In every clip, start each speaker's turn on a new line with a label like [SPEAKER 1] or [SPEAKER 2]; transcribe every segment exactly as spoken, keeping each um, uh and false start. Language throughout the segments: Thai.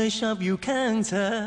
[SPEAKER 1] ชอบอยู่ข้างเธอ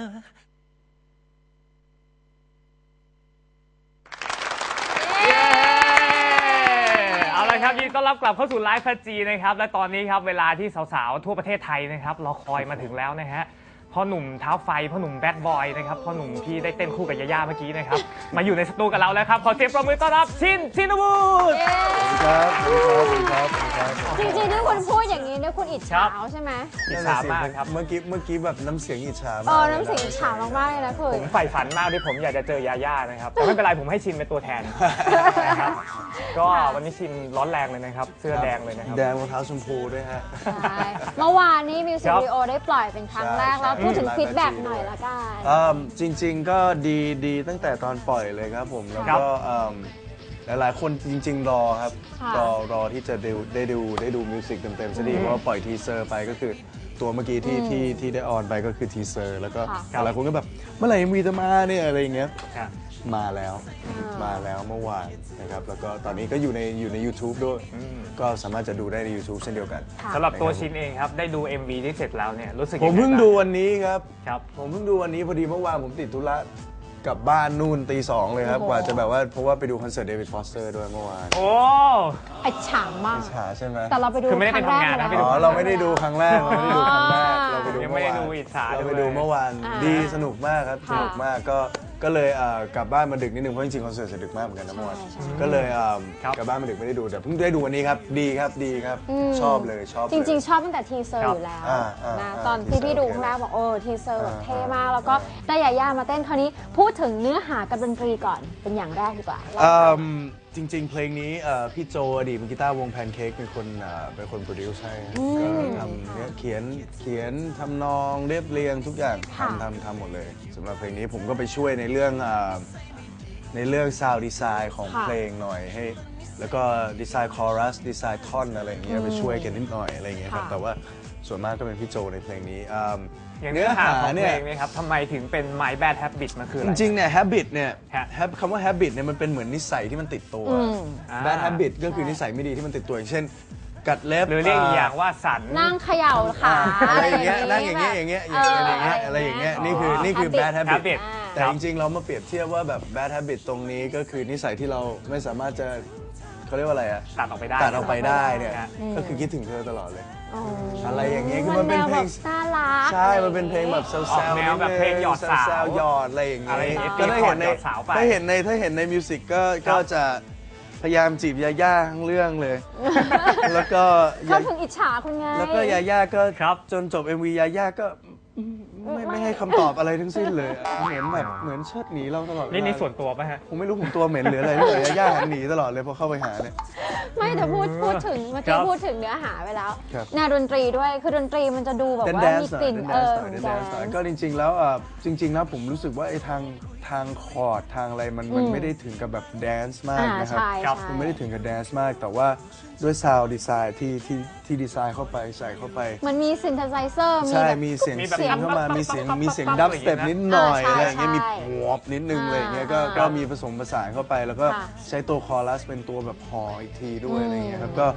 [SPEAKER 2] เอาละครับยินดีต้อนรับกลับเข้าสู่ไลฟ์พัจีนะครับและตอนนี้ครับเวลาที่สาวๆทั่วประเทศไทยนะครับรอคอยมาถึงแล้วนะฮะพ่อหนุ่มเท้าไฟพ่อหนุ่มแบดบอยนะครับพ่อหนุ่มที่ได้เต้นคู่กับยาย่าเมื่อกี้นะครับมาอยู่ในสตูกับเราแล้วครับขอเสียงปรบมือต้อนรับชินชินวุฒิ
[SPEAKER 3] ครับสวัสดีครับสวัสดีครับ
[SPEAKER 4] จริงๆที่คุณพูดอย่างนี้เนี่ยคุณอิจฉาใช่ไหม
[SPEAKER 2] อิจฉามากครับ
[SPEAKER 3] เมื่อกี้เมื่อกี้แบบน้ำเสียงอิจฉามาก
[SPEAKER 4] เออน้ำเสียงอิจฉามากๆเลยนะคุณ
[SPEAKER 2] ผมใฝ่ฝันมากที่ผมอยากจะเจอยาย่านะครับแต่ไม่เป็นไรผมให้ชินเป็นตัวแทนนะครับก็วันนี้ชินร้อนแรงเลยนะครับเสื้อแดงเลยนะครับ
[SPEAKER 3] แดงรองเท้าชมพูด้วยฮะ
[SPEAKER 4] ใช่เมื่อวานนี้มิวสิกวิดีโอได้ปล่อยเป็นครั้งแรกแล้วพูดถึงฟีดแบ็กหน่อยละกัน
[SPEAKER 3] จริงๆก็ดีดีตั้งแต่ตอนปล่อยเลยครับผมแล้วก็หลายๆคนจริงๆรอครับรอรอที่จะดูได้ดูได้ดูมิวสิกเต็มๆซะดีเพราะว่าปล่อยทีเซอร์ไปก็คือตัวเมื่อกี้ที่ที่ที่ได้ออนไปก็คือทีเซอร์แล้วก็หลายคนก็แบบเมื่อไหร่มีจะมาเนี่ยอะไรอย่างเงี้ยมาแล้วมาแล้วเมื่อวานนะครับแล้วก็ตอนนี้ก็อยู่ในอยู่ใน YouTube ด้วยก็สามารถจะดูได้ใน YouTube เช่นเดียวกัน
[SPEAKER 2] สำหรับตัวชินเองครับได้ดู เอ็ม วี ที่เสร็จแล้วเนี่ยรู้สึก
[SPEAKER 3] ผมเพิ่งดูวันนี้ครับ
[SPEAKER 2] ครับ
[SPEAKER 3] ผมเพิ่งดูวันนี้พอดีเมื่อวานผมติดธุระกลับบ้านนู่นตีสองเลยครับกว่าจะแบบว่าเพราะว่าไปดูคอนเสิร์ตเดวิดฟอสเตอร์ด้วยเมื่อวาน
[SPEAKER 2] โอ้
[SPEAKER 4] อิจฉามาก
[SPEAKER 3] อิจฉาใช่ไหม
[SPEAKER 4] แต่เราไปดู
[SPEAKER 2] คือไม่ได้ไปทำงานนะ
[SPEAKER 3] อ๋อเราไม่ได้ดูครั้งแรกเราไม่ได้ดูครั้งแรกเราไปดู
[SPEAKER 2] ยังไม่ได้ดูอิจฉา
[SPEAKER 3] เราไปดูเมื่อวานดีสนุกมากครับสนุกมากก็ก็เลยกลับบ้านมาดึกนิดนึงเพราะจริงๆคอนเสิร์ตเสร็จดึกมากเหมือนกันนะเมื่อวานก็เลยกลับบ้านมาดึกไม่ได้ดูแต่เพิ่งได้ดูวันนี้ครับดีครับดีครับชอบเลยชอบ
[SPEAKER 4] จริงๆชอบตั้งแต่ทีเซอร์อยู่แล้วนะตอนที่พี่ดูครั้งแรกบอกโอ้ทีเซอร์แบบเท่มากแล้วก็ได้ยาย่ามาเต้นคราวนี้พูดถึงเนื้อหากับดนตรีก่อนเป็นอย่างแรกดีกว่า
[SPEAKER 3] จริงๆเพลงนี้พี่โจอดีตมือกีตาร์วงแพนเค้กเป็นคนเป็นคนโปรดิวซ์ให้ก็ทำเนี่ยเขียนเขียนทำนองเรียบเรียงทุกอย่างทำทำทำหมดเลยสำหรับเพลงนี้ผมก็ไปช่วยในเรื่องในเรื่องซาวด์ดีไซน์ของเพลงหน่อยให้แล้วก็ดีไซน์คอรัสดีไซน์ท่อนอะไรอย่างเงี้ยไปช่วยกันนิดหน่อยอะไรอย่างเงี้ยครับแต่ว่าส่วนมากก็เป็นพี่โจในเพลงนี้
[SPEAKER 2] เนื้อหาของเพลงนี้ครับทำไมถึงเป็น My Bad Habit มันคืออะไร
[SPEAKER 3] จริงๆเนี่ย habit เนี่ยคำว่า habit เนี่ยมันเป็นเหมือนนิสัยที่มันติดตัว bad habit ก็คือนิสัยไม่ดีที่มันติดตัวอย่างเช่นกัดเล็บ
[SPEAKER 2] หรือเรียกอีกอย่างว่าสัน
[SPEAKER 4] นั่งเขย่าขา
[SPEAKER 3] อะไรอย่างเงี้ยนั่งอย่างเงี้ยอย่างเงี้ยอย่างเงี้ยอะไรอย่างเงี้ยนี่คือนี่คือ bad habit แต่จริงๆเรามาเปรียบเทียบว่าแบบ bad habit ตรงนี้ก็คือนิสัยที่เราไม่สามารถจะเขาเรียกว่าอะไรอะ
[SPEAKER 2] ตัดออกไปได้
[SPEAKER 3] ตัดออกไปได้เนี่ยก็คือคิดถึงเธอตลอดเลยอะไรอย่างเงี้ยคือมันเป็นเพลง
[SPEAKER 4] น่ารัก
[SPEAKER 3] ใช่มันเป็นเพลงแบบแซวๆ
[SPEAKER 2] แนวแบบเพลงหยอดสาว
[SPEAKER 3] หยอดอะไรอย่างเงี้ย
[SPEAKER 2] ก็
[SPEAKER 3] ได้เห็นในถ้าเห็นในถ้าเห็นในมิวสิกก็ก็จะพยายามจีบยาย่าทั้งเรื่องเลยแล้วก็
[SPEAKER 4] เขาถึงอิจฉาคุณไง
[SPEAKER 3] แล้วก็ยาย่าก็จนจบ เอ็ม วี ยาย่าก็ไม่ไม่ให้คำตอบอะไรทั้งสิ้นเลยเหมือนแบบเหมือนเชิดหนีเราตลอด
[SPEAKER 2] นี่นี่ส่วนตัวป่ะฮะ
[SPEAKER 3] ผมไม่รู้ผมตัวเหม็นหรืออะไรเลยย่าหันหนีตลอดเลยพอเข้าไปหาเนี่ย
[SPEAKER 4] ไม่แต่พูดพูดถึงเมื่อกี้พูดถึงเนื้อหาไปแล้วแนวดนตรีด้วยคือดนตรีมันจะดูแบบว่ามีกลิ่นเออ
[SPEAKER 3] ก็จริงๆแล้วจริงๆแล้วผมรู้สึกว่าไอ้ทางทางคอร์ดทางอะไรมันมันไม่ได้ถึงกับแบบแดนซ์มากนะครับมันไม่ได้ถึงกับแดนซ์มากแต่ว่าด้วยซาวด์ดีไซน์ที่ที่ที่ดีไซน์เข้าไปใส่เข้าไป
[SPEAKER 4] มันมีซินเทไซเซอร์
[SPEAKER 3] ใช่มีเสียงเสียงเข้ามามีเสียงมีเสียงดับสเต็ปนิดหน่อยอะไรอย่างเงี้ยมีวอปนิดนึงอะไรอย่างเงี้ยก็ก็มีผสมผสานเข้าไปแล้วก็ใช้ตัวคอรัสเป็นตัวแบบฮออีกทีด้วยอะไรอย่างเงี้ยครับก็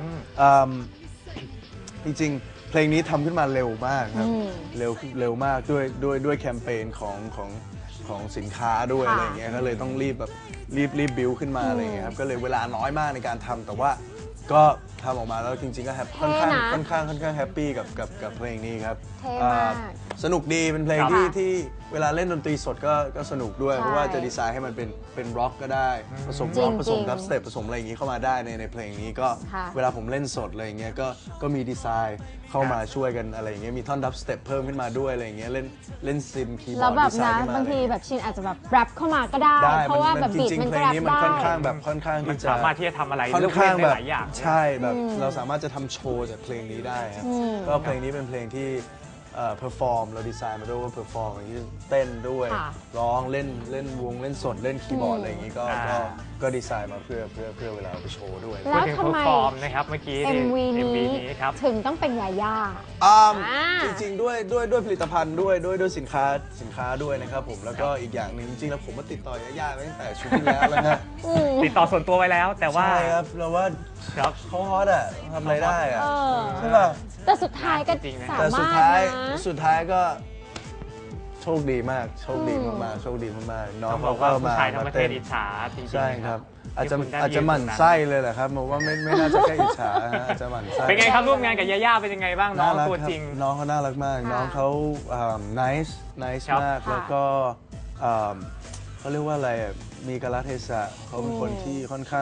[SPEAKER 3] จริงๆเพลงนี้ทำขึ้นมาเร็วมากครับเร็วเร็วมากด้วยด้วยด้วยแคมเปญของของของสินค้าด้วยอะไรอย่างเงี้ยก็เลยต้องรีบแบบรีบรีบบิวขึ้นมาอะไรอย่างเงี้ยครับก็เลยเวลาน้อยมากในการทำแต่ว่าก็ทำออกมาแล้วจริงๆก็แฮปค่อนข้างค่อนข้างค่อนข้างแฮปปี้กับกับกับเพลงนี้ครับสนุกดีเป็นเพลงที่ที่เวลาเล่นดนตรีสดก็ก็สนุกด้วยเพราะว่าจะดีไซน์ให้มันเป็นเป็นร็อกก็ได้ผสมร็อกผสมดับสเต็ปผสมอะไรอย่างงี้เข้ามาได้ในในเพลงนี้ก็เวลาผมเล่นสดอะไรอย่างเงี้ยก็ก็มีดีไซน์เข้ามาช่วยกันอะไรอย่างเงี้ยมีท่อนดับสเต็ปเพิ่มขึ้นมาด้วยอะไรอย่างเงี้ยเล่นเล่นซินคีย์บอร์ดดีไซน์ขึ้นมา
[SPEAKER 4] บางทีแบบชินอาจจะแบบแรปเข้ามาก็ได้เพราะว่าแบบบีทมันแรปได้
[SPEAKER 3] มันค่อนข้างแบบค่อนข้างที่จะ
[SPEAKER 2] สามารถที่จะทำอะไร
[SPEAKER 3] ค่อนข้างแบบใช่แบบเราสามารถจะทำโชว์จากเพลงนี้ได้ครับก็เพลงนี้เป็นเพลงที่เพอร์ฟอร์มเราดีไซน์มาด้วยว่าเพอร์ฟอร์มอย่างนี้เต้นด้วยร้องเล่นเล่นวงเล่นสดเล่นคีย์บอร์ดอะไรอย่างนี้ก็ก็ดีไซน์มาเพื่อเพื่อเพื่อเวลาไปโชว์ด้วย
[SPEAKER 4] แล้วทำไม
[SPEAKER 2] นะครับเมื่อกี้
[SPEAKER 4] เอ็ม วี นี้ถึงต้องเป็นยาย่า
[SPEAKER 3] จริงๆด้วยด้วยด้วยผลิตภัณฑ์ด้วยด้วยด้วยสินค้าสินค้าด้วยนะครับผมแล้วก็อีกอย่างหนึ่งจริงๆแล้วผมมาติดต่อยาย่าตั้งแต่ชุดที่แล้วแล้วนะ
[SPEAKER 2] ติดต่อส่วนตัวไว้แล้วแต่ว่า
[SPEAKER 3] ใช่ครับเราว่าเขาฮอตอะทำอะไรได้อะใช่ป่ะ
[SPEAKER 4] แต่สุดท้ายก็สามารถนะ
[SPEAKER 3] แต่สุดท้ายสุดท้ายก็โชคดีมากโชคดีมากๆโชคดีมากๆน้อง
[SPEAKER 2] ต้องบ
[SPEAKER 3] เขา
[SPEAKER 2] อก
[SPEAKER 3] ก็
[SPEAKER 2] ว่าผู้
[SPEAKER 3] มา
[SPEAKER 2] ชายทั้ง
[SPEAKER 3] มา
[SPEAKER 2] ประเท
[SPEAKER 3] เต้
[SPEAKER 2] ศ
[SPEAKER 3] น
[SPEAKER 2] อิจฉาจริงๆ
[SPEAKER 3] ใช่ครับ อาจจะ
[SPEAKER 2] ที่คุณได้
[SPEAKER 3] อาจจะหมั่นไส้เลยแหละครับผมว่าไม่ไม่น่าจะแค่อิจฉาฮะอาจจะหมั่นไส้
[SPEAKER 2] เป็นไงครับร่วมงานกับยาย่าเป็นยังไงบ้างน้อง
[SPEAKER 3] น่ารัก
[SPEAKER 2] ตัว
[SPEAKER 3] ครับ
[SPEAKER 2] จริง
[SPEAKER 3] น้องเขาน่ารักมาก
[SPEAKER 4] ค่ะ
[SPEAKER 3] น้องเขาอ่า nice nice
[SPEAKER 2] ครับ
[SPEAKER 3] มาก
[SPEAKER 4] ค่ะ
[SPEAKER 3] แล้วก็อ่าเขาเรียกว่าอะไรอ่ะมีกาลเทศะเขาเป็นคนที่ค่อนข้าง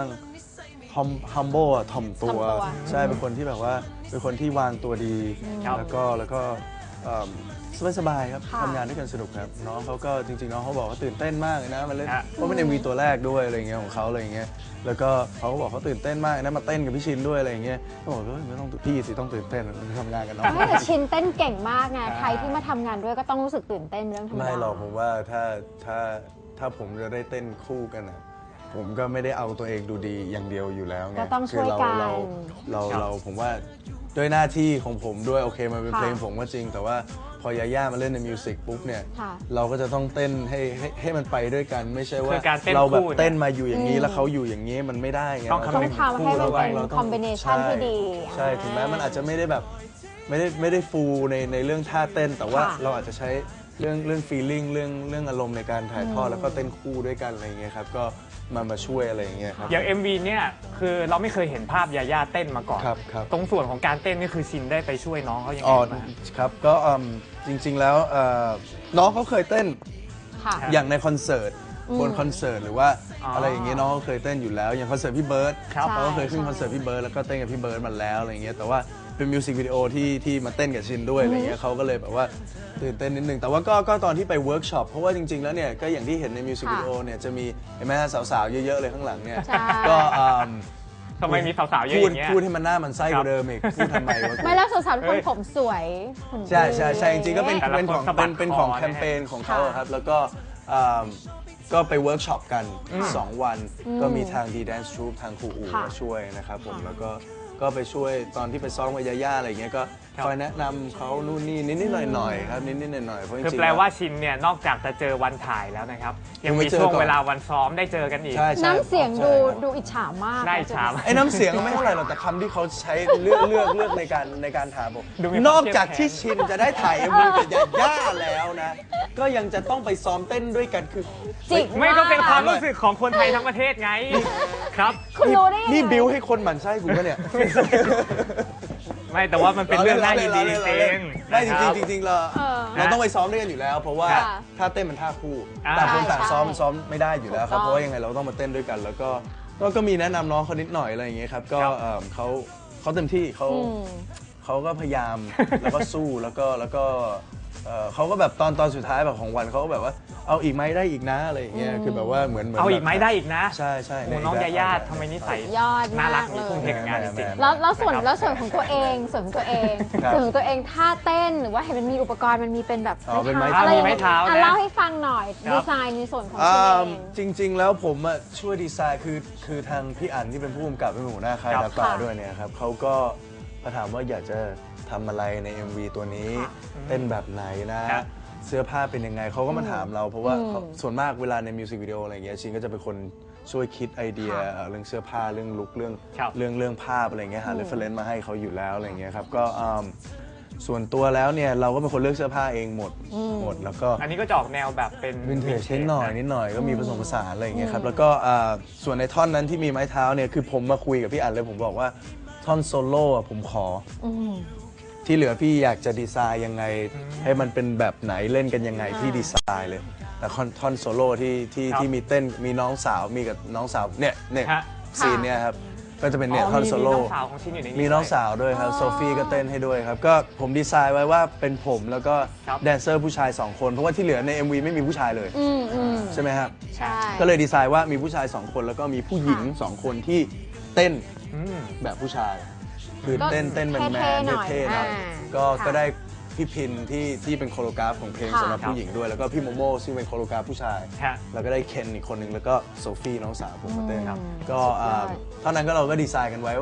[SPEAKER 3] hum- humble อ่ะถ่อมตัว
[SPEAKER 4] ถ่อมตัว
[SPEAKER 3] ใช่เป็นคนที่แบบว่าเป็นคนที่วางตัวดี
[SPEAKER 2] ครับ
[SPEAKER 3] แล้วก็แล้วก็สบายสบายๆครับ
[SPEAKER 4] ค่ะ
[SPEAKER 3] ทำงานด้วยกันสนุกครับ น้องเขาก็จริงๆ น้องเขาบอกว่าตื่นเต้นมากเลยนะมาเล่น
[SPEAKER 2] ฮะ
[SPEAKER 3] เพราะเป็น เอ็ม วี ตัวแรกด้วยอะไรอย่างเงี้ยของเขาอะไรอย่างเงี้ยแล้วก็เขาก็บอกเขาตื่นเต้นมากนะมาเต้นกับพี่ชินด้วยอะไรอย่างเงี้ยก็บอกว่าไม่ต้องพี่สิต้องตื่นเต้นทำงานกับน้อง
[SPEAKER 4] ไม่แต่ชินเต้นเก่งมากไงใครที่มาทำงานด้วยก็ต้องรู้สึกตื่นเต้นเรื่องธรรมดา
[SPEAKER 3] ไม่หรอกผมว่าถ้าถ้าถ้าผมจะได้เต้นคู่กันอ่ะผมก็ไม่ได้เอาตัวเองดูดีอย่างเดียวอยู่แล้วไง
[SPEAKER 4] ก็ต้องช่วยกัน
[SPEAKER 3] คือเราเรา
[SPEAKER 2] ครับ
[SPEAKER 3] เราผมว่าด้วยหน้าที่ของผมด้วยโอเคมันเป็น
[SPEAKER 4] ค่ะ
[SPEAKER 3] เพลงผมก็จริง แต่ว่าพอยาย่ามาเล่นในมิวสิกปุ๊บเนี่ย
[SPEAKER 4] ค่ะ
[SPEAKER 3] เราก็จะต้องเต้นให้ให้ให้มันไปด้วยกัน ไม่ใช่ว่า
[SPEAKER 2] คือการเต้น
[SPEAKER 3] เราแบบ
[SPEAKER 2] คู่เนี่ย
[SPEAKER 3] เต้นมาอยู่อย่างนี้แล้วเขาอยู่อย่างนี้มันไม่ได้ไง
[SPEAKER 2] ต้อง
[SPEAKER 3] เรา
[SPEAKER 4] ต้องทำให้มันเป็น
[SPEAKER 3] เราต้อง
[SPEAKER 4] combination ที่ดี
[SPEAKER 3] ใช่ถึงแม้มันอาจจะไม่ได้แบบไม่ได้ไม่ได้ฟูลในในเรื่องท่าเต้น แต่ว่า
[SPEAKER 4] ค่ะ
[SPEAKER 3] เราอาจจะใช้เรื่องเรื่อง feeling เรื่องเรื่องอารมณ์ในการถ่ายทอดแล้วก็เต้นคู่ด้วยกันอะไรอย่างเงี้ยครับก็มามาช่วยอะไรอย่างเงี้ยครับ
[SPEAKER 2] อย่าง เอ็ม วี เนี่ยคือเราไม่เคยเห็นภาพยาย่าเต้นมาก่อน
[SPEAKER 3] ครับครับ
[SPEAKER 2] ตรงส่วนของการเต้นนี่คือชินได้ไปช่วยน้องเขายังไง
[SPEAKER 3] อ๋อ
[SPEAKER 2] บ้าง
[SPEAKER 3] ครับก็อืมจริง ๆ แล้วเอ่อน้องเขาเคยเต้น
[SPEAKER 4] ค่ะ
[SPEAKER 3] อย่างในคอนเสิร์ต
[SPEAKER 4] อืม
[SPEAKER 3] บนคอนเสิร์ตหรือว่า
[SPEAKER 2] อ๋ออ
[SPEAKER 3] อะไรอย่างเงี้ยน้องเขาเคยเต้นอยู่แล้วอย่างคอนเสิร์ตพี่เบิร์ด
[SPEAKER 2] ครับ
[SPEAKER 3] เขาก็เคยขึ้น
[SPEAKER 4] ใช่
[SPEAKER 3] คอนเสิร์ตพี่เบิร์ดแล้วก็เต้นกับพี่เบิร์ดมาแล้วอะไรอย่างเงี้ยแต่ว่าเป็นมิวสิกวิดีโอที่ที่มาเต้นกับชินด้วยอะไรเงี้ยเขาก็เลยแบบว่าตื่นเต้นนิดนึงแต่ว่าก็ก็ตอนที่ไปเวิร์กช็อปเพราะว่าจริง ๆ แล้วเนี่ยก็อย่างที่เห็นในมิวสิกวิดีโอเนี่ยจะมีเห็นไหมฮะสาวๆเยอะๆเลยข้างหลังเนี่ย
[SPEAKER 4] ใช่
[SPEAKER 3] ก็อืม
[SPEAKER 2] ทำไมมีสาวๆเยอะ
[SPEAKER 3] พู
[SPEAKER 2] อ
[SPEAKER 3] ด
[SPEAKER 2] ย่างเงี้ย
[SPEAKER 3] พูดให้มันหน้ามันไส้กว่าเดิมอีกพูดทำไมวะ
[SPEAKER 4] ไม่แล้วสาวๆทุก
[SPEAKER 2] เฮ้
[SPEAKER 4] คน
[SPEAKER 2] ย
[SPEAKER 4] ผมสวยหุ่นดี
[SPEAKER 3] ใช่ใช่ใช่จริงๆก็เป็น
[SPEAKER 2] แต่ละ
[SPEAKER 3] เป็นของ
[SPEAKER 2] คนสะบั
[SPEAKER 3] เป็
[SPEAKER 2] ด
[SPEAKER 3] นเป็น
[SPEAKER 2] คอ
[SPEAKER 3] ของ
[SPEAKER 2] นะฮะ
[SPEAKER 3] แคมเปญของเขา
[SPEAKER 4] ค่ะ
[SPEAKER 3] อะครับ แล้วก็อ่าก็ไปเวิร์กช็อปกัน สอง วัน
[SPEAKER 4] อืม
[SPEAKER 3] ก็มีทาง D Dance Troupe ทางครูอู๋
[SPEAKER 4] ค่ะ
[SPEAKER 3] มาช่วยนะครับผม
[SPEAKER 4] ค่ะ
[SPEAKER 3] แล้วก็ก็ไปช่วยตอนที่ไปซ้อมกับยาย่าอะไรอย่างเงี้ยก็
[SPEAKER 2] ครับ
[SPEAKER 3] คอยแนะนำเขานู่นนี่นิดๆหน่อยๆครับนิดๆหน่อยๆเพราะจ
[SPEAKER 2] คือ
[SPEAKER 3] ริงๆ
[SPEAKER 2] แปลว่าชินเนี่ยนอกจากจะเจอวันถ่ายแล้วนะครับ ยังมี
[SPEAKER 3] ยังไม่เจอ
[SPEAKER 2] ช่วง
[SPEAKER 3] ก่อน
[SPEAKER 2] เวลาวันซ้อมได้เจอกันอีก
[SPEAKER 3] ใช่ใช่
[SPEAKER 4] น้ำเสียงดู
[SPEAKER 3] ใช่ครับ
[SPEAKER 4] ดูอิจฉามาก
[SPEAKER 2] ได้อิจฉามาก
[SPEAKER 3] ไอ้น้ำเสียงก็ไม่เท่าไหร่หรอกแต่คำที่เขาใช้เลือกเลือกเลือกในการในการถามผม
[SPEAKER 2] ดูมีความ
[SPEAKER 3] นอกจาก
[SPEAKER 2] เข้มแข็ง
[SPEAKER 3] ที่ชินจะได้ถ่ายเอ็มวีกับยาย่าแล้วนะ ก็ยังจะต้องไปซ้อมเต้นด้วยกันคือ
[SPEAKER 4] จิก
[SPEAKER 2] ไม่ก็เป็นความ
[SPEAKER 4] ก
[SPEAKER 2] รู้สึกของคนไทยทั้งประเทศไงครับ
[SPEAKER 4] คุณรู้ได้ยังไง
[SPEAKER 3] นี่บิวให้คนหมั่นไส้กูปะเนี่ย
[SPEAKER 2] ไม่แต่ว่ามันเป็นเรื่องน่ายินดีจริง
[SPEAKER 3] ไม่จ
[SPEAKER 2] นะค
[SPEAKER 3] ริ
[SPEAKER 2] บ
[SPEAKER 3] งๆจริงๆเรา
[SPEAKER 4] เออ
[SPEAKER 3] เราต้องไปซ้อมด้วยกันอยู่แล้ว เพราะว่า
[SPEAKER 4] ค่ะ
[SPEAKER 3] ถ้าเต้นมันท่าคู่
[SPEAKER 2] อ่า
[SPEAKER 3] ต่างคนต่าง
[SPEAKER 4] ใช่
[SPEAKER 3] ซ้อมซ้อมไม่ได้อยู่แล้วครับ
[SPEAKER 4] ถูกต้อง
[SPEAKER 3] เพราะว่ายังไงเราต้องมาเต้นด้วยกัน แล้วก็ก็ก็มีแนะนำน้องเขานิดหน่อยอะไรอย่างเงี้ยครับก็
[SPEAKER 2] ครับ
[SPEAKER 3] เอิ่มเขาเขาเต็มที่เขา
[SPEAKER 4] อืม
[SPEAKER 3] เขาก็พยายาม แล้วก็สู้แล้วก็แล้วก็เอ่อเขาก็แบบตอนตอนสุดท้ายแบบของวันเขาก็แบบว่าเอาอีกไหมได้อีกนะอะไรอย่างเงี้ยคือแบบว่าเหมือนเหมือน
[SPEAKER 2] เอาอีกไหม
[SPEAKER 3] แบบ
[SPEAKER 2] ได้อีกนะ
[SPEAKER 3] ใช่ใช่
[SPEAKER 2] โอ้น้องยาย่าทำไมนิสัย
[SPEAKER 4] ยอดมาก
[SPEAKER 2] น่ารักมี
[SPEAKER 4] เลย
[SPEAKER 2] ทุ่มเทกับงานจริง
[SPEAKER 4] แล้วแล้วส่วน
[SPEAKER 2] นะครับ
[SPEAKER 4] แล้วส่วนของตัวเองส่วนของตัวเอง
[SPEAKER 3] ครับ
[SPEAKER 4] ส่วนของตัวเองท่าเต้นหรือว่าเห็นมันมีอุปกรณ์มันมีเป็นแบบ
[SPEAKER 3] อ๋อเป็นไม้
[SPEAKER 4] อะไร
[SPEAKER 2] มีไม้เท้า
[SPEAKER 4] อ่ะ
[SPEAKER 2] นะ
[SPEAKER 4] เล่าให้ฟังหน่อย
[SPEAKER 2] ครับ
[SPEAKER 4] ดีไซน์ในส่วนของ
[SPEAKER 3] อ่
[SPEAKER 4] ตัวเอา ง
[SPEAKER 3] จริง ๆ แล้วผมอะช่วยดีไซน์คือคือทางพี่อั๋นที่เป็นผู้กำกับเป็นหัวหน้าค่าย
[SPEAKER 2] ครับ
[SPEAKER 3] ดาป่า
[SPEAKER 4] ค่ะ
[SPEAKER 3] ด้วยเนี่ยครับเขาก็มาถามว่าอยากจะทำอะไรใน เอ็ม วี ตัวนี้
[SPEAKER 4] ค่ะ
[SPEAKER 3] เต้นแบบไหนนะ
[SPEAKER 2] ครับ
[SPEAKER 3] เสื้อผ้าเป็นยังไงเขาก็มาถามเรา เพราะว่า
[SPEAKER 4] อืม
[SPEAKER 3] เขาส่วนมากเวลาในมิวสิกวิดีโออะไรอย่างเงี้ยชินก็จะเป็นคนช่วยคิดไอเดีย
[SPEAKER 4] ค่ะ
[SPEAKER 3] เอ่อเรื่องเสื้อผ้าเรื่องลุคเรื่อง
[SPEAKER 2] ครับ
[SPEAKER 3] เรื่องเรื่องภาพอะไรเงี้ยหา
[SPEAKER 4] อืม
[SPEAKER 3] เรฟเฟรนซ์มาให้เขาอยู่แล้วอะไรเงี้ยครับก็อืมส่วนตัวแล้วเนี่ยเราก็เป็นคนเลือกเสื้อผ้าเองหมดหมดแล้วก็
[SPEAKER 2] อันนี้ก็จะออกแนวแบบเป็น
[SPEAKER 3] วินเทจนิดหน่อยนิดหน่อยก็มีผสมผสานอะไรอย่างเงี้ยครับ
[SPEAKER 4] อืม
[SPEAKER 3] แล้วก็อ่าส่วนในท่อนนั้นที่มีไม้เท้าเนี่ยคือผมมาคุยกับพี่อั๋นเลยผมบอกว่าท่อนโซโล่อะผมขอ
[SPEAKER 4] อืม
[SPEAKER 3] ที่เหลือพี่อยากจะดีไซน์ยังไง ให้มันเป็นแบบไหนเล่นกันยังไง
[SPEAKER 4] อ่า
[SPEAKER 3] พี่ดีไซน์เลย แต่ท่อนท่อนโซโล่ที่ที่
[SPEAKER 2] ครับ
[SPEAKER 3] ที่มีเต้นมีน้องสาวมีกับน้องสาวเนี่ยเนี่ย
[SPEAKER 2] ฮะ
[SPEAKER 3] ซีนเนี่ยครับก็จะเป็นเนี่ย
[SPEAKER 2] อ๋อ
[SPEAKER 3] ท่อน
[SPEAKER 2] มี
[SPEAKER 3] โซ
[SPEAKER 2] มี
[SPEAKER 3] โล่
[SPEAKER 2] น้องสาวของชินอยู่ในนี้
[SPEAKER 3] มีน้อง
[SPEAKER 2] ด้วย
[SPEAKER 3] สาวด้วยครับ
[SPEAKER 4] อ๋อ
[SPEAKER 3] โซฟี่ก็เต้นให้ด้วยครับก็ผมดีไซน์ไว้ว่าเป็นผมแล้วก็
[SPEAKER 2] ครับ
[SPEAKER 3] แดนเซอร์ผู้ชายสองคนเพราะว่าที่เหลือใน เอ็ม วี ไม่มีผู้ชายเลย
[SPEAKER 4] อืมอืม
[SPEAKER 3] ใช่ไหมครับ
[SPEAKER 4] ใช่
[SPEAKER 3] ก็เลยดีไซน์ว่ามีผู้ชายสองคนแล้วก็มีผู้หญิงสองคนที่เต้น
[SPEAKER 2] อืม
[SPEAKER 3] แบบผู้ชาย คือ
[SPEAKER 4] ก็
[SPEAKER 3] เต้นเต้นแมนแม
[SPEAKER 4] เท่
[SPEAKER 3] น
[SPEAKER 4] ๆหน่อย
[SPEAKER 3] เท่ๆหน่อย
[SPEAKER 4] อ่า
[SPEAKER 3] ก็
[SPEAKER 4] ค่ะ
[SPEAKER 3] ก็ได้พี่พินที่ที่เป็นโคโรกราฟของเพลง
[SPEAKER 4] ค่ะ
[SPEAKER 3] สำหรับผู้หญิงด้วย แล้วก็พี่โมโม่ซึ่งเป็นโคโรกราฟผู้ชาย
[SPEAKER 2] ฮะ
[SPEAKER 3] แล้วก็ได้เคนอีกคนนึงแล้วก็โซฟี่น้องสาวผมมาเต้น
[SPEAKER 4] อืม
[SPEAKER 3] ก็
[SPEAKER 4] สุดยอด
[SPEAKER 3] อ่าเท่านั้นก็เราก็ดีไซน์กันไว้ว่าแบบ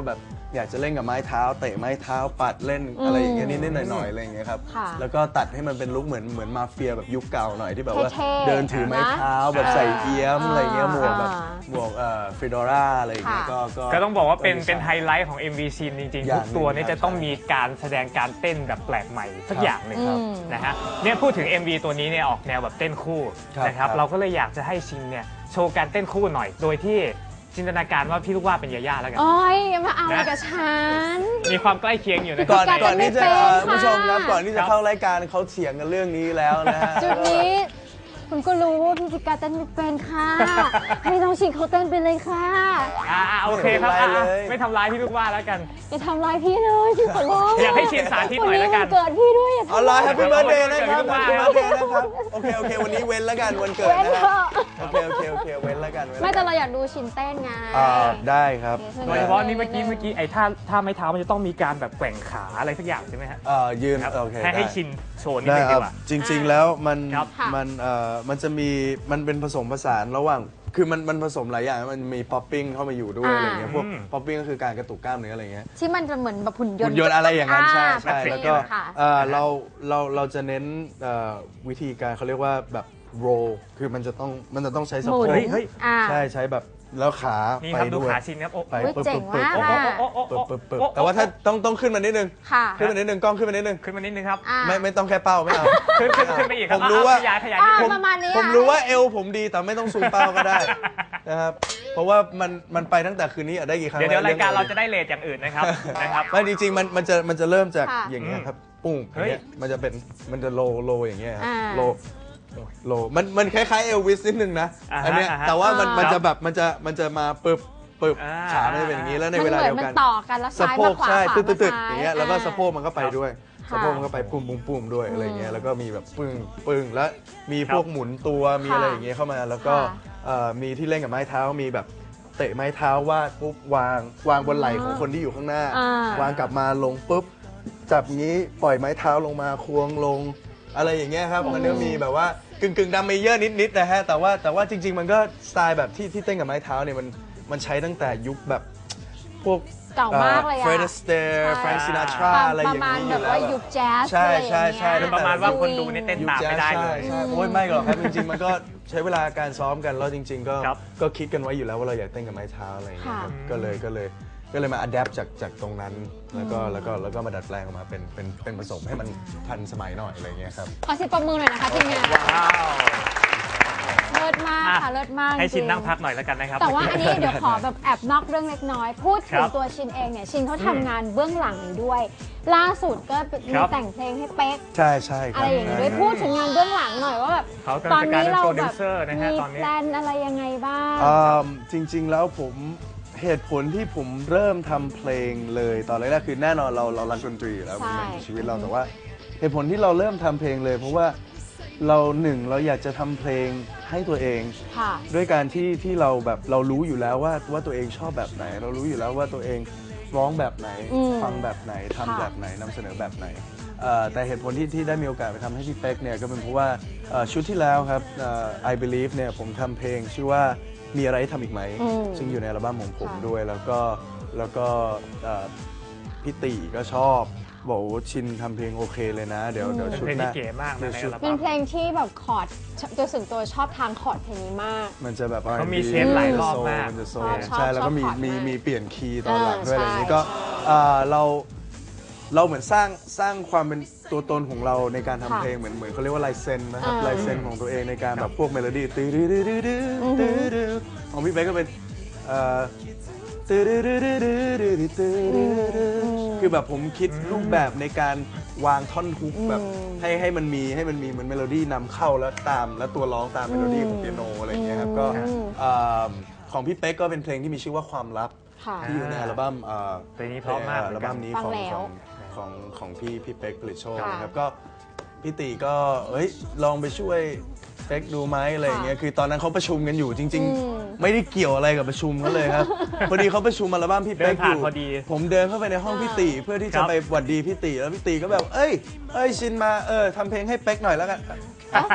[SPEAKER 3] อยากจะเล่นกับไม้เท้าเตะไม้เท้าปัดเล่นอะไรอย่างเงี้ยนิดๆหน่อยๆอะไรอย่างเงี้ยครับ
[SPEAKER 4] ค่ะ
[SPEAKER 3] แล้วก็ตัดให้มันเป็นลุคเหมือนเหมือนมาเฟียแบบยุคเก่าหน่อยที่แบบว่า
[SPEAKER 4] เท่ๆ
[SPEAKER 3] เดินถือไม้เท้าแบบใส่เอี้ยมอะไรเงี้ยหมวกแบบ
[SPEAKER 4] อ่า
[SPEAKER 3] หมวกเอ่อฟิโดราอะไรอย่างเงี้ย
[SPEAKER 4] ค่ะ
[SPEAKER 3] ก็ก็
[SPEAKER 2] ก็ต้องบอกว่าเป็น
[SPEAKER 3] ดีซ
[SPEAKER 2] เป็นไฮไลท์ของ เอ็ม วี ซีนจริง
[SPEAKER 3] อ
[SPEAKER 2] ๆ
[SPEAKER 3] ย่าง
[SPEAKER 2] ทุกตัว
[SPEAKER 3] หนึ่
[SPEAKER 2] นี้
[SPEAKER 3] ง
[SPEAKER 2] จะต้องมีการแสดงการเต้นแบบแปลกใหม่สักอย่างหนึ่ง
[SPEAKER 4] อืม
[SPEAKER 2] นะฮะเนี่ยพูดถึง เอ็ม วี ตัวนี้เนี่ยออกแนวแบบเต้นคู่
[SPEAKER 3] ครับ
[SPEAKER 2] นะครับ
[SPEAKER 3] ครับ
[SPEAKER 2] เราก็เลยอยากจะให้ชินเนี่ยโชว์การเต้นคู่หน่อย โดยที่จินตนาการว่าพี่ลูกว่าเป็นยาย่าแล้วกัน
[SPEAKER 4] โอ้ยอย่ามาเอาอะไร
[SPEAKER 2] นะ
[SPEAKER 4] กับฉัน
[SPEAKER 2] มีความใกล้เคียงอยู่นะค
[SPEAKER 3] ก่
[SPEAKER 2] รั
[SPEAKER 3] อบ น
[SPEAKER 4] การ
[SPEAKER 3] ก่อนที่จะ
[SPEAKER 4] เต้นไม่เป็น
[SPEAKER 3] เอ่อคุณผู้ชมครับ
[SPEAKER 4] ค่ะ
[SPEAKER 3] ก่อนที่จะเข้ารายการเขาเถียงกันเรื่องนี้แล้วนะฮะ
[SPEAKER 4] จุดนี้คุณก็รู้ว่าพี่จิกาเต้นไม่เป็นค่ะ ให้น้องชิงเขาเต้นไปเลยค่ะ
[SPEAKER 2] อ่าโอเคครับ
[SPEAKER 3] ไม่
[SPEAKER 2] อ่ะ
[SPEAKER 3] เป็นไรเลย
[SPEAKER 2] ไม่ทำร้ายพี่ลูกว่าแล้วกัน
[SPEAKER 4] อย่าทำร้ายพี่เลยชิงขอร้อง
[SPEAKER 2] อยากให้ชินสาธิตหน่อยแล้วกัน
[SPEAKER 4] วัเกิดพี่ด้วยอย่า
[SPEAKER 3] เอา
[SPEAKER 4] ทำ
[SPEAKER 3] ล่ะ
[SPEAKER 4] ร้าย
[SPEAKER 3] แฮปปี้เบิร์ดเดย์นะครับ
[SPEAKER 2] วัน
[SPEAKER 3] แฮป
[SPEAKER 2] เกิ
[SPEAKER 3] ปี้
[SPEAKER 2] ด
[SPEAKER 3] เบิร์ดเดย์นะครับโอเคโอเควันนี้เว้นแล้วกันวันเกิด
[SPEAKER 4] เว้น
[SPEAKER 3] นะ
[SPEAKER 4] เถ
[SPEAKER 3] ฮะ
[SPEAKER 4] อะ
[SPEAKER 3] โอเคโอเคโอเคเว้นแล้วกันว้น
[SPEAKER 4] ไม่
[SPEAKER 3] แล้ว
[SPEAKER 4] แต่
[SPEAKER 3] กัน
[SPEAKER 4] เราอยากดูชินเต้นไง
[SPEAKER 3] อ่าได้ครับ
[SPEAKER 2] โดยเฉพาะนี่เมื่อกี้เมื่อกี้ไอ้ท่าท่าไม้เท้ามันจะต้องมีการแบบแกว่งขาอะไรสักอย่างใช่ไหมฮะ
[SPEAKER 3] เอ่อยืน
[SPEAKER 2] ครับ
[SPEAKER 3] โอเค
[SPEAKER 2] ให้ให้
[SPEAKER 3] ได้
[SPEAKER 2] ชินโชว์นิด
[SPEAKER 3] ได้
[SPEAKER 2] นึง
[SPEAKER 3] ค
[SPEAKER 2] ดี
[SPEAKER 3] รับ
[SPEAKER 2] กว่า
[SPEAKER 3] จริง ๆ แล้วมัน
[SPEAKER 2] ครับ
[SPEAKER 4] ค่ะ
[SPEAKER 3] มันเอ่อมันจะมีมันเป็นผสมผสานระหว่างคือมันมันผสมหลายอย่างมันมีป๊อปปิ้งเข้ามาอยู่ด้วย
[SPEAKER 4] อ่า
[SPEAKER 3] อะไรเงี้ยพวก
[SPEAKER 2] อืม
[SPEAKER 3] ป๊อปปิ้งก็คือการกระตุกกล้ามเนื้ออะไรเงี้ย
[SPEAKER 4] ที่มันจะเหมือนแบบหุ่นยน
[SPEAKER 3] หุ่
[SPEAKER 4] ต์
[SPEAKER 3] นยนต์อะไรอย่างนั้นใช่
[SPEAKER 4] อ่า
[SPEAKER 3] ใช่
[SPEAKER 4] แบบ
[SPEAKER 3] แล้ว
[SPEAKER 4] นี้
[SPEAKER 3] ก็
[SPEAKER 4] ค่ะ
[SPEAKER 3] เอ่อเราเราเราจะเน้นเอ่อวิธีการเขาเรียกว่าแบบโรคือมันจะต้องมันจะต้องใช้สะ
[SPEAKER 4] หมุ
[SPEAKER 3] โพ
[SPEAKER 4] น
[SPEAKER 3] ก
[SPEAKER 2] เฮ้ยเฮ้ย
[SPEAKER 4] อ่า
[SPEAKER 3] ใช่ใช้แบบแล้วขา
[SPEAKER 2] นี่
[SPEAKER 3] ไป
[SPEAKER 2] ครับดู
[SPEAKER 3] ด้วย
[SPEAKER 2] ขาชินครับโอ้
[SPEAKER 3] ไป
[SPEAKER 4] เฮ้ย
[SPEAKER 3] ปึ๊บ
[SPEAKER 4] เจ๋ง
[SPEAKER 3] ปึ๊บ
[SPEAKER 4] มาก
[SPEAKER 3] ปึ๊บ
[SPEAKER 4] อะ
[SPEAKER 2] โอ้โอ้โอ้
[SPEAKER 3] ปึ๊บปึ๊บปึ๊บ
[SPEAKER 2] โอ้
[SPEAKER 3] แต่ว่าถ้าต้องต้องขึ้นมานิดนึง
[SPEAKER 4] ค่ะ
[SPEAKER 3] ขึ้นมานิดนึงกล้องขึ้นมานิดนึง
[SPEAKER 2] ขึ้นมานิดนึงครับ
[SPEAKER 4] อ่า
[SPEAKER 3] ไม่ไม่ต้องแค่เป้าไม่เอา
[SPEAKER 2] ขึ้นขึ้นขึ้นไปอีกครับ
[SPEAKER 3] ผมรู้ว่า
[SPEAKER 2] ขยายขยาย
[SPEAKER 4] อ่า
[SPEAKER 2] นิดนึง
[SPEAKER 4] ประมาณนี้
[SPEAKER 3] ผม
[SPEAKER 4] อะ
[SPEAKER 3] รู้ว่าเอวผมดีแต่ไม่ต้องซูมเป้าก็ได้นะครับเพราะว่ามันมันไปตั้งแต่คืนนี้อะได้กี่ครั้ง
[SPEAKER 2] เดี๋ยวเดี๋ยว
[SPEAKER 3] แล้
[SPEAKER 2] รายการเราจะได้เลทอย่างอื่นนะครับนะครับ
[SPEAKER 3] ไม่จริงๆมันมันจะมันจะเริ่มจาก
[SPEAKER 4] ค่ะ
[SPEAKER 3] อย่างเงี้ยครับปุ้งอ
[SPEAKER 2] เฮ้
[SPEAKER 3] ย่าย งเงี้ยมันจะเป็นมันจะโลโลอย่างเงี้ยครับ
[SPEAKER 4] อ่า
[SPEAKER 3] โลโลมันมันคล้ายๆเอลวิสนิดนึงนะ
[SPEAKER 2] อ่าฮะ
[SPEAKER 3] อันเนี้ย
[SPEAKER 2] อ่าฮะ
[SPEAKER 3] แต่ว่ามัน
[SPEAKER 4] อ่ามั
[SPEAKER 3] มันจะแบบมันจะมันจะมาปึ๊บปึ๊บ
[SPEAKER 2] อ่า
[SPEAKER 3] ขามันจะเป็นอย่างนี้แล้วใน
[SPEAKER 4] มัน
[SPEAKER 3] เว
[SPEAKER 4] เห
[SPEAKER 3] ลา
[SPEAKER 4] มือน
[SPEAKER 3] เดียว
[SPEAKER 4] มัน
[SPEAKER 3] กัน
[SPEAKER 4] ต่อกันแล้ว
[SPEAKER 3] สะ
[SPEAKER 4] ซ้าย
[SPEAKER 3] โพ
[SPEAKER 4] มาก ขวา
[SPEAKER 3] ใช่
[SPEAKER 4] ขวา
[SPEAKER 3] ตึ๊ดตึ๊ดตึ๊ด
[SPEAKER 4] ม
[SPEAKER 3] อย่างเงี้ยแล้วก็สะโพกมันก็ไปด้วย
[SPEAKER 4] ค่ะ
[SPEAKER 3] สะโพกมันก็ไปปุ้มปุ้มปุ้มด้วยอะไรเงี้ยแล้วก็มีแบบปึ้งปึ้งแล้วมีพวกหมุนตัวมีอะไรอย่างเงี้ยเข้ามาแล้วก็
[SPEAKER 4] ค่ะ
[SPEAKER 3] เอ่อมีที่เล่นกับไม้เท้ามีแบบเตะไม้เท้าวาดปุ๊บวางวางบนไหล่ของคนที่อยู่ข้างหน้า
[SPEAKER 4] อ่าว
[SPEAKER 3] างกลับมาลงปุ๊บจับงี้ปล่อยไม้เท้าลงมาควงลง อะไรอย่างเงี้ยครับมันก็มีแบบว่ากึ่งกึ่งดัมเมเยอร์นิดๆนะฮะแต่ว่าแต่ว่าจริง ๆ มันก็สไตล์แบบที่ที่เต้นกับไม้เท้าเนี่ยมันมันใช้ตั้งแต่ยุคแบบพวก
[SPEAKER 4] เก่ามากเลยอะ
[SPEAKER 3] เฟรดสเตอร์
[SPEAKER 4] ใช่
[SPEAKER 3] แฟรงซินาทรา
[SPEAKER 4] ประ
[SPEAKER 3] อะไรอย่าง
[SPEAKER 4] มาณ
[SPEAKER 3] นี้อ
[SPEAKER 4] แบ
[SPEAKER 3] ยู่
[SPEAKER 4] บ
[SPEAKER 3] แล้ว
[SPEAKER 4] ว่ายุคแจ๊ส
[SPEAKER 3] ใช่
[SPEAKER 4] อะไรอย่าง
[SPEAKER 3] ใช่
[SPEAKER 4] เงี้ย
[SPEAKER 3] ใช่
[SPEAKER 2] ประมาณว่าคนดูนี่เต้น
[SPEAKER 3] ยุค
[SPEAKER 2] ตาม
[SPEAKER 3] แจ๊ส
[SPEAKER 2] ไม่ได้เลย
[SPEAKER 3] ใช่ใช่โอ้ยไม่หรอกครับจริงๆมันก็ใช้เวลาการซ้อมกันแล้วจริง ๆ ก็
[SPEAKER 2] ครับ
[SPEAKER 3] ก็คิดกันไว้อยู่แล้วว่าเราอยากเต้นกับไม้เท้าอะไรอย่างเงี้ยครับ
[SPEAKER 4] ค่ะ
[SPEAKER 3] ก็เลยก็เลยก็เลยมาอัดแอปจากจากตรงนั้นแล้วก็แล้วก็แล้วก็มาดัดแปลงออกมาเป็นเป็นเป็นผสมให้มันทันสมัยหน่อยอะไรเงี้ยครับ
[SPEAKER 4] ขอเสิบประมือหน่อยนะคะทีมงาน
[SPEAKER 2] ว้าว
[SPEAKER 4] เลิศมากค่ะเลิศมาก
[SPEAKER 2] ให้ชิน
[SPEAKER 4] จริ
[SPEAKER 2] นั่งพักหน่อยแล้วกันนะครับ
[SPEAKER 4] แต่ว่าอันนี้เดี๋ยวขอแบบแอบนอกเรื่องเล็กน้อย พูดถึ
[SPEAKER 2] ค
[SPEAKER 4] ง
[SPEAKER 2] รับ
[SPEAKER 4] ตัวชินเองเนี่ยชินเขาทำงานเบื้องหลังอยู่ด้วย ล่าสุดก็มี
[SPEAKER 2] ครับ
[SPEAKER 4] แต่งเพลงให้เป๊ก
[SPEAKER 3] ใช่ใช่ค
[SPEAKER 4] อะ
[SPEAKER 3] รับ
[SPEAKER 4] ไรอย่างนี้ด้วย
[SPEAKER 3] ใช่
[SPEAKER 4] พูดถึงงานเบื้องหลังหน่อยว่าแบบ
[SPEAKER 2] เขากำ
[SPEAKER 4] ต
[SPEAKER 2] ลั
[SPEAKER 4] อง น
[SPEAKER 2] จะกลาย
[SPEAKER 4] นี้
[SPEAKER 2] เป็น
[SPEAKER 4] เรา
[SPEAKER 2] โปรดิ
[SPEAKER 4] แบ
[SPEAKER 2] ว
[SPEAKER 4] บ
[SPEAKER 2] เซอร์นะฮะ
[SPEAKER 4] มี
[SPEAKER 2] ตอนนี้
[SPEAKER 4] แพลนอะไรยังไงบ้าง
[SPEAKER 3] อ่าจริง ๆ แล้วผมเหตุผลที่ผมเริ่มทำเพลงเลยตอนแรกๆคือแน่นอนเราเรารักดนตรีอยู่แล้ว
[SPEAKER 4] ใช่
[SPEAKER 3] ในชีวิตเราแต่ว่า เหตุผลที่เราเริ่มทำเพลงเลย เพราะว่าเราหนึ่งเราอยากจะทำเพลงให้ตัวเอง
[SPEAKER 4] ค่ะ
[SPEAKER 3] ด้วยการที่ที่เราแบบเรารู้อยู่แล้วว่าว่าตัวเองชอบแบบไหน เรารู้อยู่แล้วว่าตัวเองร้องแบบไหน
[SPEAKER 4] อืม
[SPEAKER 3] ฟังแบบไหนทำ
[SPEAKER 4] ค่ะ
[SPEAKER 3] แบบไหนนำเสนอแบบไหนเอ่อแต่เหตุผลที่ที่ได้มีโอกาสไปทำให้พี่เป๊กเนี่ยก็เป็นเพราะว่าเอ่อชุดที่แล้วครับเอ่อ I Believe เนี่ยผมทำเพลงชื่อว่ามีอะไรให้ทำอีกไหม
[SPEAKER 4] อืม
[SPEAKER 3] ซึ่งอยู่ในอัลบั้มของผม
[SPEAKER 4] ค่ะ
[SPEAKER 3] ด้วยแล้วก็แล้วก็เอ่อพี่ตีก็ชอบ บอกว่าชินทำเพลงโอเคเลยนะ เดี๋ยวเดี๋ยว
[SPEAKER 2] เป็น
[SPEAKER 3] ชุด
[SPEAKER 2] เพลง
[SPEAKER 3] ห
[SPEAKER 2] ที่
[SPEAKER 3] น้า
[SPEAKER 2] เก๋มากนะในอัล
[SPEAKER 4] เป็
[SPEAKER 2] บั้
[SPEAKER 4] น
[SPEAKER 2] ม
[SPEAKER 4] เพลงที่แบบคอร์ดโดยส่วนตัวชอบทางคอร์ดเพลงนี้มาก
[SPEAKER 3] มันจะแบบ
[SPEAKER 2] เขามี
[SPEAKER 3] อาร์
[SPEAKER 2] เชฟหลายรอบมาก
[SPEAKER 3] มันจะโซ
[SPEAKER 4] ชอบชอบ
[SPEAKER 3] ใช่แล้วก็มี
[SPEAKER 4] ชอบพอร์ต
[SPEAKER 3] มี
[SPEAKER 4] มาก
[SPEAKER 3] มีเปลี่ยนคีย์ตอนหลังด้วย
[SPEAKER 4] เออ
[SPEAKER 3] อะไรอย่างนี้
[SPEAKER 4] ใช่
[SPEAKER 3] ก็
[SPEAKER 4] ใช่
[SPEAKER 3] เอ่อเราเราเหมือนสร้างสร้างความเป็นตัวตนของเราในการทำ
[SPEAKER 4] ค่ะ
[SPEAKER 3] เพลงเหมือนเหมือนเขาเรียกว่าลายเซ็นนะครับ
[SPEAKER 4] เออ
[SPEAKER 3] ลายเซ็นของตัวเองในการแบบพวกเมโลดี้ตื้อดื้อดื้อดื้อดื้อ
[SPEAKER 4] อือหือ
[SPEAKER 3] ตื้อดื้อของพี่เป๊กก็เป็นเอ่อตื้อดื้อดื้อดื้อดื้อดื้อดื้อตื้อดื้อดื้อคือแบบผมคิดรูปแบบในการวางท่อนฮุกแบบ
[SPEAKER 4] อืม
[SPEAKER 3] ให้ให้มันมีให้มันมีเหมือนเมโลดี้นำเข้าแล้วตามแล้วตัวร้องตามเมโลดี้ของเปียโนอะไรอย่างเงี้ยครับก็
[SPEAKER 4] อืม
[SPEAKER 3] เอ่อของพี่เป๊กก็เป็นเพลงที่มีชื่อว่าความลับ
[SPEAKER 4] ค่ะ
[SPEAKER 3] ที่อยู่ในอัลบั้มเอ่อ
[SPEAKER 2] เพลงนี้เพราะมากเหมื
[SPEAKER 3] อั
[SPEAKER 2] อนกัน
[SPEAKER 3] ลบั้มนี้
[SPEAKER 4] ฟัง
[SPEAKER 3] ของ
[SPEAKER 4] แล้ว
[SPEAKER 3] ของของของพี่พี่เป๊กผลิตโชค
[SPEAKER 4] ค่ะ
[SPEAKER 3] นะครับก็พี่ตีก็เอ้ยลองไปช่วยเป๊กดูไหมอะไรอย่างเงี้ยคือตอนนั้นเขาประชุมกันอยู่จริง
[SPEAKER 4] อืม
[SPEAKER 3] ๆ ไม่ได้เกี่ยวอะไรกับประชุมเขาเลยครับ พอดีเขาประชุมอัลบั้มพี่เป๊ก
[SPEAKER 2] เดิน
[SPEAKER 3] อ
[SPEAKER 2] ผ่าน
[SPEAKER 3] ยู่
[SPEAKER 2] พอดี
[SPEAKER 3] ผมเดินเข้าไปในห้องพี่ตีเพื่อที่
[SPEAKER 2] ครั
[SPEAKER 3] จะ
[SPEAKER 2] บ
[SPEAKER 3] ไปหวัดดีพี่ตีแล้วพี่ตีก็แบบเอ้ยเอ้ยชินมาเออทำเพลงให้เป๊กหน่อยแล้วกัน
[SPEAKER 4] เอ้าเอ้า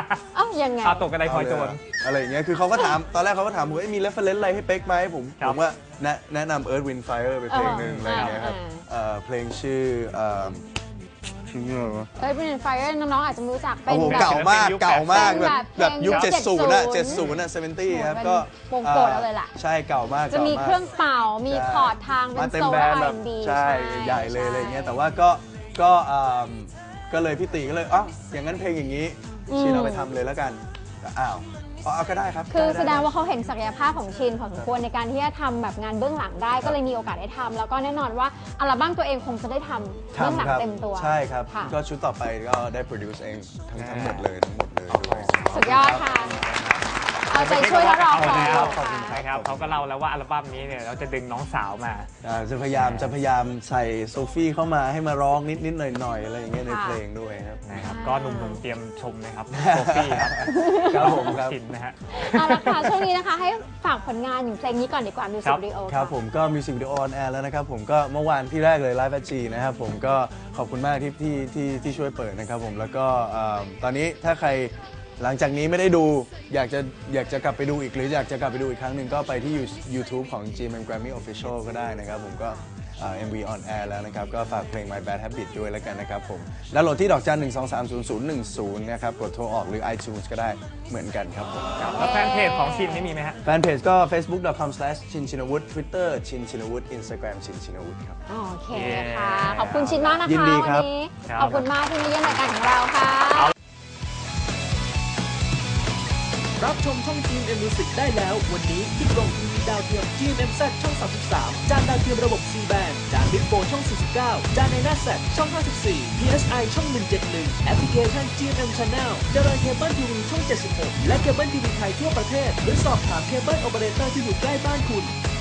[SPEAKER 4] ยังไง
[SPEAKER 2] เอาตกกระไดพลอยโจร
[SPEAKER 3] อะไรอย่างเงี้ยคือเขาก็ถามตอนแรกเขาก็ถามผมว่ามีเรฟเฟรนซ์อะไรให้เป๊กไหมผม
[SPEAKER 2] ครั
[SPEAKER 3] ผ
[SPEAKER 2] บ
[SPEAKER 3] มว่าแนะแนะนำ Earth Wind Fire ไปเพลงหนึ่ง
[SPEAKER 4] เอออ
[SPEAKER 3] อะไรอย่างเงี้ยครับ
[SPEAKER 4] เออ
[SPEAKER 3] เอ่อเพลงชื่อเอ่อชื่ออะไรวะ
[SPEAKER 4] เอ้ยเป็นไฟน้องๆอาจจะไม่รู้จักเป็
[SPEAKER 3] โอ้
[SPEAKER 4] น
[SPEAKER 3] โห
[SPEAKER 4] แบบ
[SPEAKER 3] เก่ามากเก่ามาก
[SPEAKER 4] เป็น
[SPEAKER 3] แบบ
[SPEAKER 4] แบบ
[SPEAKER 3] แบบยุค
[SPEAKER 4] เพลง
[SPEAKER 3] เจ็ดสิบอะ
[SPEAKER 4] เจ็
[SPEAKER 3] เจ็
[SPEAKER 4] ด
[SPEAKER 3] ด
[SPEAKER 4] สิ
[SPEAKER 3] สิ
[SPEAKER 4] บบ
[SPEAKER 3] อะเซเวนตี้ครับ
[SPEAKER 4] เป็น
[SPEAKER 3] ก็
[SPEAKER 4] โปร่งๆเลยล่ะ
[SPEAKER 3] ใช่เก่ามาก
[SPEAKER 4] จะมี
[SPEAKER 3] ก่ามาก
[SPEAKER 4] เครื่องเป่ามี
[SPEAKER 3] ใช่
[SPEAKER 4] คอร์ดทางเป็
[SPEAKER 3] มาน เต็ม
[SPEAKER 4] โซล
[SPEAKER 3] แบ
[SPEAKER 4] และ
[SPEAKER 3] นด์
[SPEAKER 4] อา
[SPEAKER 3] แบ
[SPEAKER 4] ร์
[SPEAKER 3] บ
[SPEAKER 4] แอนด์บี
[SPEAKER 3] ใช่ใหญ่เลยอะไรเงี้ยแต่ว่าก็ก็อ่าก็เลยพี่ตีก็เลยอ๋ออย่างนั้นเพลงอย่างนี้ชินเอาไปทำเลยแล้วกันก็อ้าวอ๋อเอาก็ได้ครับ
[SPEAKER 4] คือ
[SPEAKER 3] ไไ
[SPEAKER 4] แสดงว่าเขาเห็นศักยภาพของชินพอสมควรในการที่จะทำแบบงานเบื้องหลังได้ก็เลยมีโอกาสได้ทำแล้วก็แน่นอนว่าอัลบั้มตัวเองคงจะได้ทำเบื้องหลัง
[SPEAKER 3] ทำครับ
[SPEAKER 4] เต็มตัว
[SPEAKER 3] ใช่ครับ
[SPEAKER 4] ค่ะ
[SPEAKER 3] ก็ชุดต่อไปก็ได้โปรดิวซ์เองทั้งทั้งหมดเลยทั้งหมดเลยด้วย
[SPEAKER 4] สุดยอดค่ะ เอาใจช่วยและรอคอย
[SPEAKER 2] ครับ
[SPEAKER 3] ขอบคุณ
[SPEAKER 4] ค่ะ
[SPEAKER 2] นะครับเขาก็เล่าแล้วว่าอัลบั้มนี้เนี่ยเราจะดึงน้องสาวมา
[SPEAKER 3] อ่าจะพยายามจะพยายามใส่โซฟี่เข้ามาให้มาร้องนิดนิดหน่อยหน่อยๆอะไรอย่างเงี้ยใน
[SPEAKER 4] ค่ะ
[SPEAKER 3] เพลงด้วยครับ
[SPEAKER 2] นะครับก็หนุ่มๆเตรียมชมนะครับโซฟี่ครับ
[SPEAKER 3] ครับผมครับ
[SPEAKER 2] ชินนะฮะ
[SPEAKER 4] เอาละค่ะช่วงนี้นะคะให้ฝากผลงานอย่างเพลงนี้ก่อนดีกว่ามิวสิ
[SPEAKER 2] ครั
[SPEAKER 4] ก
[SPEAKER 2] บ
[SPEAKER 4] วิดีโอ
[SPEAKER 3] ครับผมก็มิวสิกวิดีโอออนแอร์แล้วนะครับผมก็เมื่อวานที่แรกเลยไลฟ์แฟจีนะครับผมก็ขอบคุณมากที่ที่ที่ที่ช่วยเปิดนะครับผมแล้วก็เอ่อตอนนี้ถ้าใครหลังจากนี้ไม่ได้ดูอยากจะอยากจะกลับไปดูอีกหรืออยากจะกลับไปดูอีกครั้งหนึ่งก็ไปที่ YouTube ของ จี เอ็ม เอ็ม Grammy Official ก็ได้นะครับผมก็เอ่อ เอ็ม วี on air แล้วนะครับก็ฝากเพลง My Bad Habit ด้วยแล้วกันนะครับผมแล้วโหลดที่ดอกจันหนึ่งสองสามศูนย์ศูนย์หนึ่งศูนย์นะครับกดโทรออกหรือ iTunes ก็ได้เหมือนกันครับผม
[SPEAKER 2] แล้วแฟนเพจของชินนี่มีไหมฮะ
[SPEAKER 3] แฟนเพจก็ facebook dot com slash ชินชินวุฒิ Twitter ชินชินวุฒิ Instagram ชินชินวุฒิครับ
[SPEAKER 4] โอเคค่ะ ขอบคุณชินมากนะคะ
[SPEAKER 3] ยินดีครับ
[SPEAKER 4] วันนี้
[SPEAKER 2] ครับ
[SPEAKER 4] ขอบคุณมากที่มาเยี่ยมรายการของเราค่ะ
[SPEAKER 1] รับชมช่อง จี เอ็ม เอ็ม Music ได้แล้ววันนี้ที่กล่องทีวีดาวเทียม จี เอ็ม เอ็ม แซด ช่อง สามสิบสาม จานดาวเทียมระบบ ซี แบนด์ จาน Big โฟร์ ช่อง สี่สิบเก้า จานในหน้าแซดช่อง ห้าสิบสี่ พี เอส ไอ ช่อง หนึ่งเจ็ดหนึ่ง แอปพลิเคชัน จี เอ็ม เอ็ม Channel ดารางเคเบิลทีวีช่อง เจ็ดสิบหก และเคเบิลทีวีไทยทั่วประเทศหรือสอบถามเคเบิลโอเปอเรเตอร์ที่อยู่ใกล้บ้านคุณ